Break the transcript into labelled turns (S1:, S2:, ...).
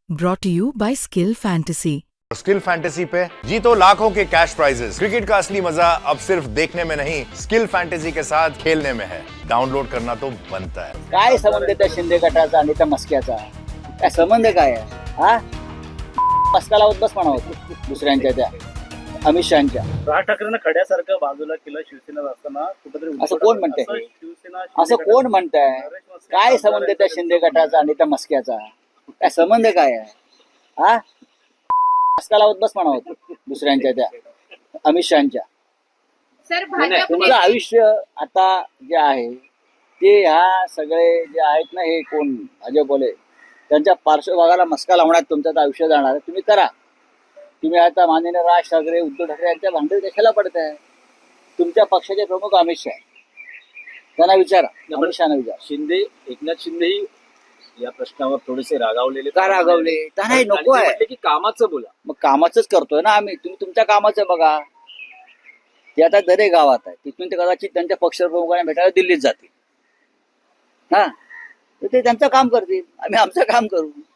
S1: brought to you by Skill Fantasy.
S2: Skill fantasy पे जीतो लाखों के कैश प्राइजेस। क्रिकेट का असली मजा अब सिर्फ देखने में नहीं, स्किल फैंटेसी के साथ खेलने में है। डाउनलोड करना तो बनता है।
S3: काय संबंध आहे त्या शिंदे गटाचा आणि त्या मस्क्याचा? काय संबंध काय आहे हा? मस्का लावत बस म्हणावं दुसऱ्यांच्या त्या अमित शहाच्या.
S4: राज ठाकरेंना खड्यासारखं बाजूला केलं शिवसेनेत असताना कुठेतरी
S3: असं कोण म्हणतंय?
S4: शिवसेना
S3: असं कोण म्हणताय? काय संबंध आहे त्या शिंदे गटाचा आणि त्या मस्क्याचा? काय संबंध काय आहे हा? मस्का लावत बस म्हणावं दुसऱ्यांच्या त्या अमित शहाच्या.
S5: सर भाजप
S3: तुमचं आयुष्य आता जे आहे ते ह्या सगळे जे आहेत ना, हे कोण अजय बोले त्यांच्या पार्श्वभागाला मस्का लावण्यात तुमचं आयुष्य जाणार आहे. तुम्ही करा. तुम्ही आता माननीय राज ठाकरे, उद्धव ठाकरे यांच्या भांडण कशाला पडताय? तुमच्या पक्षाचे प्रमुख अमित शहा, त्यांना विचारा. अमित शहाना विचारा.
S4: शिंदे, एकनाथ शिंदेही या प्रश्नावर थोडेसे रागावलेले.
S3: का रागावले? त्यांना हे नको आहे.
S4: म्हटले की कामाचं बोला.
S3: मग कामाचंच करतोय ना आम्ही. तुम्ही तुमच्या कामाचं बघा. ते आता दरे गावात आहे, तिथून ते कदाचित त्यांच्या पक्षप्रमुखांना भेटायला दिल्लीत जातील. हा, तर ते त्यांचं काम करतील, आम्ही आमचं काम करू.